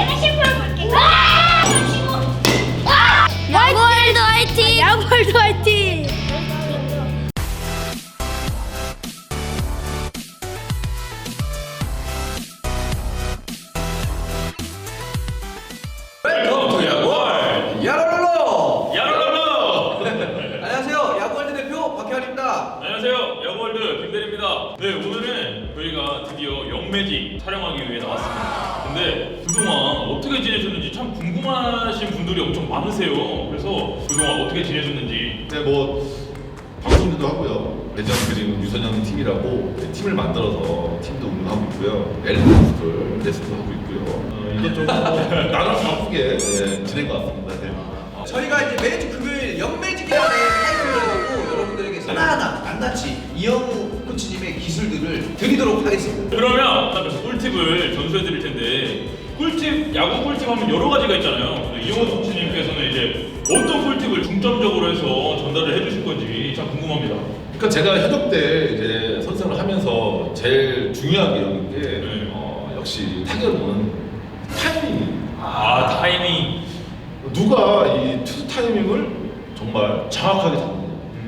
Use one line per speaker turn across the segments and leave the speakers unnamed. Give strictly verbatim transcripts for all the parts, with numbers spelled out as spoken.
내가 실패해볼게. 아! 아! 야구월드 화이팅! 야구월드 화이팅!
웰컴 투 야구월 야로롤로
야로라로!
안녕하세요 야구월드 대표 박혜환입니다.
안녕하세요, 야구월드 김대리입니다. 네, 오늘은 저희가 드디어 영매직 촬영하기 위해 나왔습니다. 근데 그동안 어떻게 지내셨는지 참 궁금하신 분들이 엄청 많으세요. 그래서 그동안 어떻게 지내셨는지.
네, 뭐 방송도 하고요. 대전 그림 유선영 팀이라고 네, 팀을 만들어서 팀도 운영하고 있고요. 엘리트를 레슨도 하고 있고요. 어, 이것저것 뭐 나름 바쁘게 네, 지낸 것 같습니다. 네.
저희가 이제 매주 금요일 영매직이라는 타이틀을 갖고 여러분들에게 하나하나 낱낱이 이영우 코치님의 기술들을 드리도록 하겠습니다.
그러면 그래서 꿀팁을 전수해 드릴 텐데, 꿀팁, 야구 꿀팁 하면 여러 가지가 있잖아요. 근데 이용호 코치님께서는 이제 어떤 꿀팁을 중점적으로 해서 전달을 해주실 건지 참 궁금합니다.
그러니까 제가 현역 때 이제 선수를 하면서 제일 중요하게 여긴 게
네.
어, 역시 타격은 타이밍.
아, 타이밍.
누가 이 투수 타이밍을 정말 정확하게 잡느냐.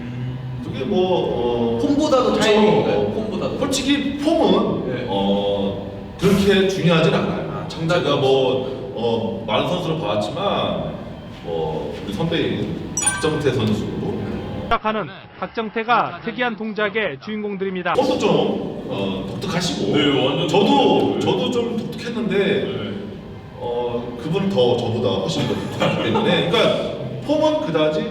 그게 뭐 어,
폼보다도
그렇죠.
타이밍인가요? 폼보다도.
솔직히 폼은
네.
어, 그렇게 중요하진 않아요.
아, 정답이
제가 뭐 어, 많은 선수를 봐왔지만 어, 우리 선배인 박정태 선수
시작하는 박정태가 특이한 동작의 주인공들입니다.
그것도 좀 어, 독특하시고
네, 완전
저도
독특해요.
저도 좀 독특했는데
네.
어, 그분은 더 저보다 훨씬 더 독특하기 때문에 그러니까 폼은 그다지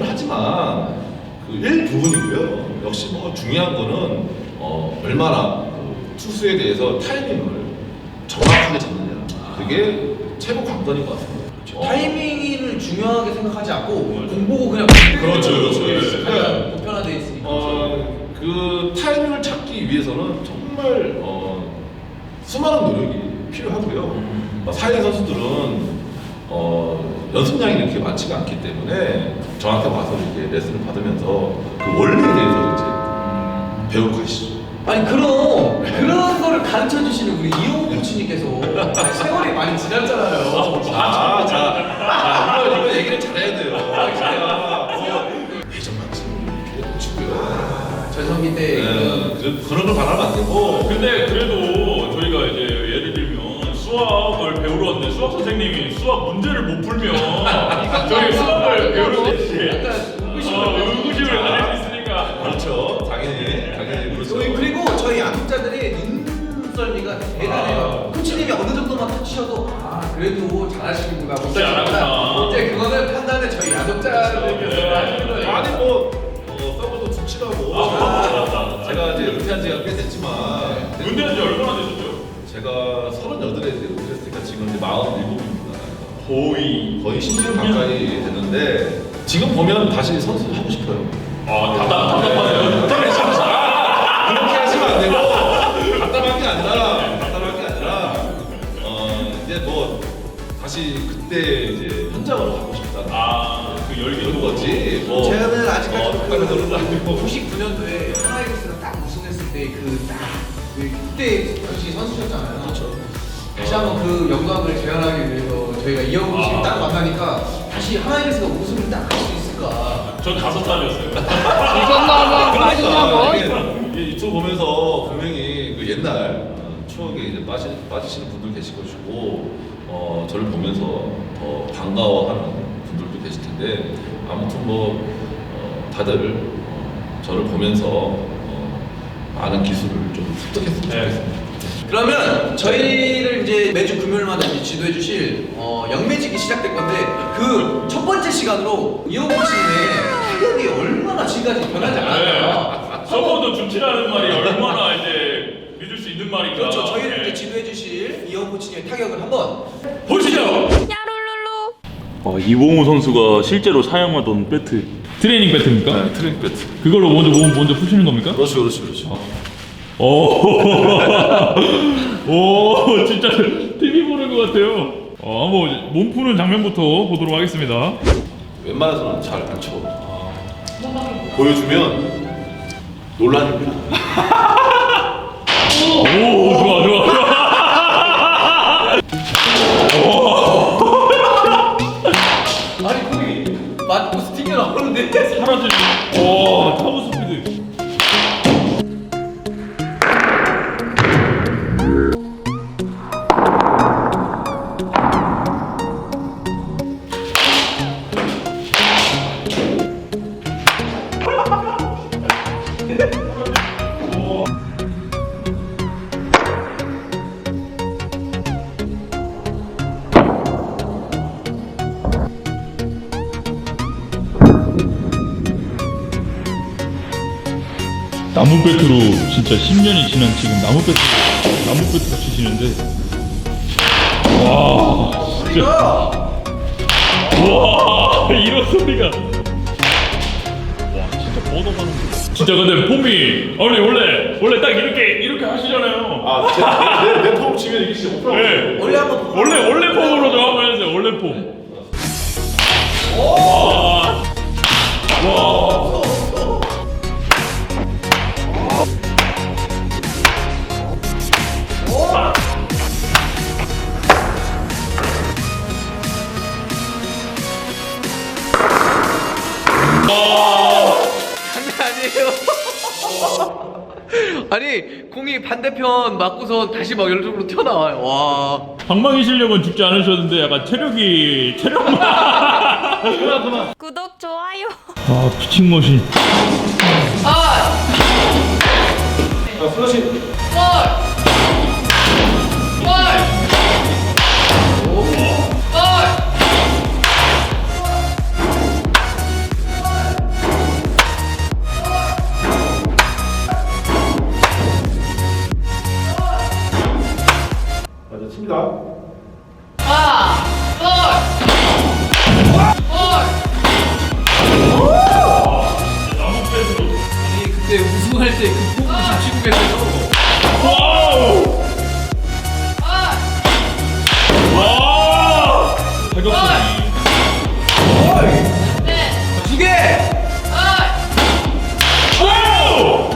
중요하지만 그 일부분이고요. 역시 뭐 중요한 거는 어, 얼마나 그 투수에 대해서 타이밍을 정확하게 잡느냐. 그게 최고 관건인 것 같습니다. 어,
타이밍을 중요하게 생각하지 않고 공 보고 그냥
그렇죠, 그렇죠.
가장 보편화되어 있으니까.
어, 그 타이밍을 찾기 위해서는 정말 어, 수많은 노력이 필요하고요. 어, 사회 선수들은 어, 연습량이 이렇게 많지가 않기 때문에 저한테 와서 이렇게 레슨을 받으면서 그 원리에 대해서 이제 배우고 가시죠.
아니 그럼 그런 거를 가르쳐 주시는 우리 이용우 코치님께서 아니, 세월이 많이 지났잖아요.
자, 자, 자, 이거, 이거 얘기를 잘해야 돼요. 제가 뭐 회전만큼 치고요.
전성기 때
네,
그
그- 그런 걸 바라면 안 되고.
근데 그래도 저희가 이제 예를 들면 수학을 배우러 왔는데 수학 선생님이 수학 문제를 못 풀면 저희 수학을 배우러 왔지.
약간 의구심을
어,
가질
의구심을 가질 수 있으니까.
그렇죠. 당연히, 당연히 그렇죠.
저희 그리고 저희 양육자들의 눈썰미가 대단해요.
아.
코치님이 어느 정도만 터치셔도 아 그래도 잘하시는구나
진짜 잘하구나.
이제 그거는 판단을 저희 양육자들께서 하시는 거예요.
아니 뭐 어, 서버도 수치라고
아.
제가 이제 은퇴한 지가 꽤 됐지만
은퇴한 지 얼마나 되셨죠?
제가 서른여덟에 이제 은퇴했으니까 지금 이제 마흔일곱입니다.
거의.
거의 십 년 가까이 됐는데 지금 보면 다시 선수 하고 싶어요.
아, 답답, 답답하네요.
아, 그렇게 하시면 안 되고 답답한 게 아니라 답답한 게 아니라 어 이제 뭐 다시 그때 이제 현장으로 가고 싶다.
아, 그 열기
그런 거지. 뭐
저는 아직까지
어,
그
그런 거는 아니고.
구십구 년도에 하나이글스가 딱 우승했을 때 그 딱 그때 당시 선수셨잖아요.
그렇죠.
다시 한번 그 영광을 재현하기 위해서 저희가 이영우 코치님
아.
딱 만나니까 다시 하나이글스가 우승을 딱 할 수 있을까.
전 다섯 살이었어요.
그러니까 이게 이 유튜브 보면서 분명히 그 옛날 어, 추억에 이제 빠지, 빠지시는 분들 계실 것이고 어, 저를 보면서 더 반가워하는 분들도 계실 텐데 아무튼 뭐 어, 다들 어, 저를 보면서 어, 많은 기술을 좀 습득했으면
네.
좋겠습니다.
그러면 저희를 이제 매주 금요일마다 이제 지도해 주실 어, 영매직이 시작될 건데 그 첫 번째 시간으로 이영우 코치님의 타격이 얼마나 지금까지 변하지 않았나.
네. 서버도 준치라는 말이 얼마나 이제 믿을 수 있는 말인가.
그렇죠. 저희를
네.
이제 지도해 주실 이영우 코치님의 타격을 한번
보시죠.
야롤롤로.
어, 이봉우 선수가 실제로 사용하던 배트. 트레이닝 배트입니까?
네, 트랙 배트.
그걸로 먼저 몸 먼저 푸시는 겁니까?
그렇죠, 그렇죠, 그렇죠.
오, 오, 진짜 티비 보는 것 같아요. 어, 한번 몸 푸는 장면부터 보도록 하겠습니다.
웬만해서는 잘 안 쳐. 보여주면 논란입니다.
오, 좋아, 좋아, 좋아.
아니 거기 맞고 스팅이 나오는데
사라지는. 와 타구 스피드. 나무 배트로 진짜 십 년이 지난 지금 나무 배트 나무 배트로 치시는데 와 진짜 와 이런 소리가 와 진짜 뻗어가는 거 진짜 근데 폼이 아니 원래 원래 딱 이렇게 이렇게 하시잖아요.
아내내폼 치면 이게 진짜 오프라.
네.
원래 한번 보고
원래 원래 폼으로 좀 한번 해주세요. 원래 폼. 와. 와.
장난 아니에요. 아니 공이 반대편 맞고서 다시 막 열쪽으로 튀어나와요. 와.
방망이 실력은 죽지 않으셨는데 약간 체력이 체력만.
구독 좋아요.
아 피칭 머신.
아!
자 플러시.
골! 골! 골!
맞아 칩니다.
아! 골! 골!
나무 배트로.
아니 그때 우승할 때 그 폼을 좀 치고 계세요.
와우. 와. 타격감이.
두 개!
와우.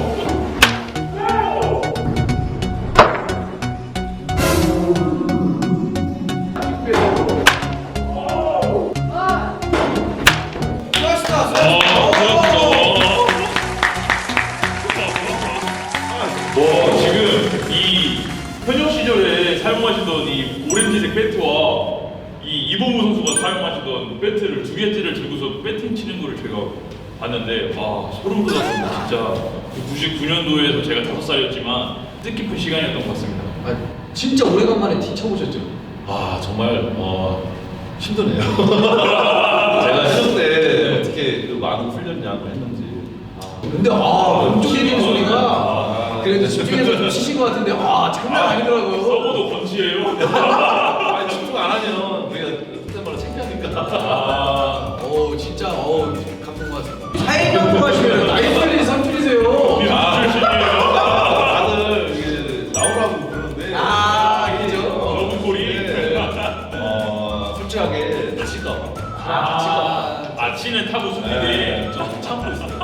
뭐 지금 이 현역 시절에 사용하시던 이 오렌지색 배트와 이 이범우 선수가 사용하시던 배트를 두 개째를 들고서 배팅 치는 거를 제가 봤는데 와 소름 돋았습니다. 진짜 구십구 년도에서 제가 다섯 살이었지만 뜻깊은 시간이었던 것 같습니다.
아, 진짜 오래간만에 티 쳐보셨죠?
아 정말 어 힘드네요. 제가 현역 때 어떻게 그 많은 훈련량을 했는지.
근데 아 왼쪽 얘기는 소리가
아,
그래도 집중해서 좀 치신 것 같은데 아 장난 아니더라고요.
서버도 건지예요.
아니 집중 안 하면 우리가 그때 말로 창피하니까.
아,
어 진짜 어 감동받았습니다. 사회경고 하시면 나이 빨리 선출이세요.
미술 출신이에요.
다들 이게 나오라고 그러는데.
아 그죠?
너무 고리.
네. 어 솔직하게 다칠까 봐.
아,
아치는 타고 수비대
네.
좀 참고 있어요.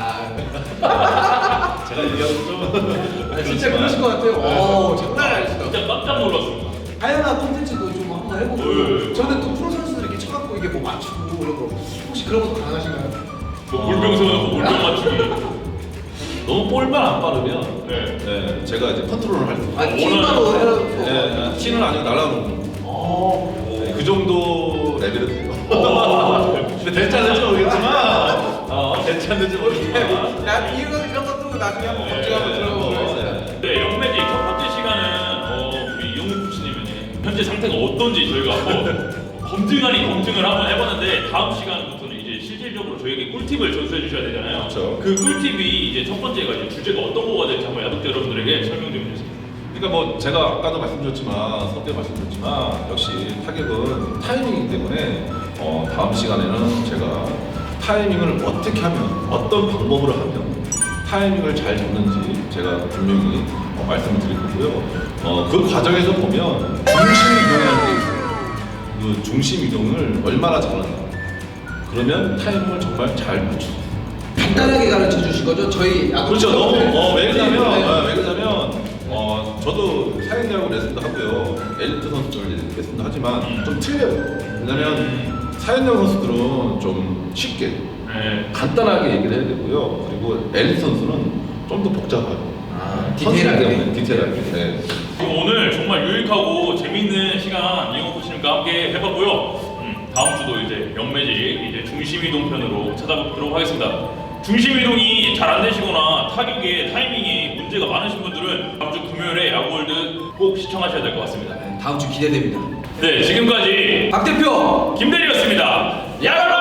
아
제가 얘기하면 좀.
아, 진짜 그러실 것 같아요. 어 장난 아니시다.
진짜 깜짝 놀랐습니다.
다양한 콘텐츠도 좀 한번 해보고
네.
저는 또 프로 선수들 이렇게 쳐갖고 이게 뭐 맞추고 이런 거 혹시 그런 것도 가능하신가요?
뭐 물병 세워놓고 물병 맞추기.
너무 볼만 안 빠르면.
네.
네. 제가 이제 컨트롤을 할 수.
아 팀바로 해놓고
네. 티는 아니고 날아오는.
어.
네, 그 정도 레벨은 돼요. 근데 될지 안 될지 모르겠지만, 어, 될지 안 될지 모르겠지만.
야 이런 그런 것도 나중에 한번
네.
검증 한번 들어보겠습니다.
네, 영매직 첫 번째 시간은 어, 우리 이영국 코치님의 현재 상태가 어떤지 저희가 한번 검증 아닌 검증을 한번 해봤는데 다음 시간부터는 이제 실질적으로 저희에게 꿀팁을 전수해 주셔야 되잖아요.
그렇죠.
그 꿀팁이 이제 첫 번째가 이제 주제가 어떤 거가 될지 한번 야독자 여러분들에게 설명 좀 해주세요.
그러니까 뭐 제가 아까도 말씀드렸지만, 선때 말씀드렸지만, 역시 타격은 타이밍이기 때문에 어, 다음 시간에는 제가 타이밍을 어떻게 하면, 어떤 방법으로 하면 타이밍을 잘 잡는지 제가 분명히 어, 말씀을 드릴 거고요. 어, 그 과정에서 보면 중심 이동이라는 게 있어요. 그 중심 이동을 얼마나 잘하냐. 그러면 타이밍을 정말 잘 맞추죠.
간단하게 가르쳐 주신 거죠? 저희 야구
그렇죠. 너무 어, 왜 그러냐면
네.
어, 왜 그러냐면 어, 저도 사회야구 레슨도 하고요. 엘리트 선수들 레슨도 하지만
음.
좀 틀려요. 왜냐면 사회야구 선수들은 좀 쉽게
네.
간단하게 얘기를 해야 되고요. 그리고 엘리트 선수는 좀 더 복잡하고
아,
선수이기
디테일하게.
때문에 디테일하게. 네.
그럼 오늘 정말 유익하고 재밌는 시간 이영호 코치님과 함께 해봤고요. 음, 다음 주도 이제 영매직 이제 중심이동 편으로 찾아뵙도록 하겠습니다. 중심이동이 잘 안 되시거나 타격의 타이밍이 문제가 많으신 분들은 다음 주 금요일에 야구월드 꼭 시청하셔야 될 것 같습니다.
네, 다음 주 기대됩니다.
네, 지금까지
박 대표
김대리였습니다. 야구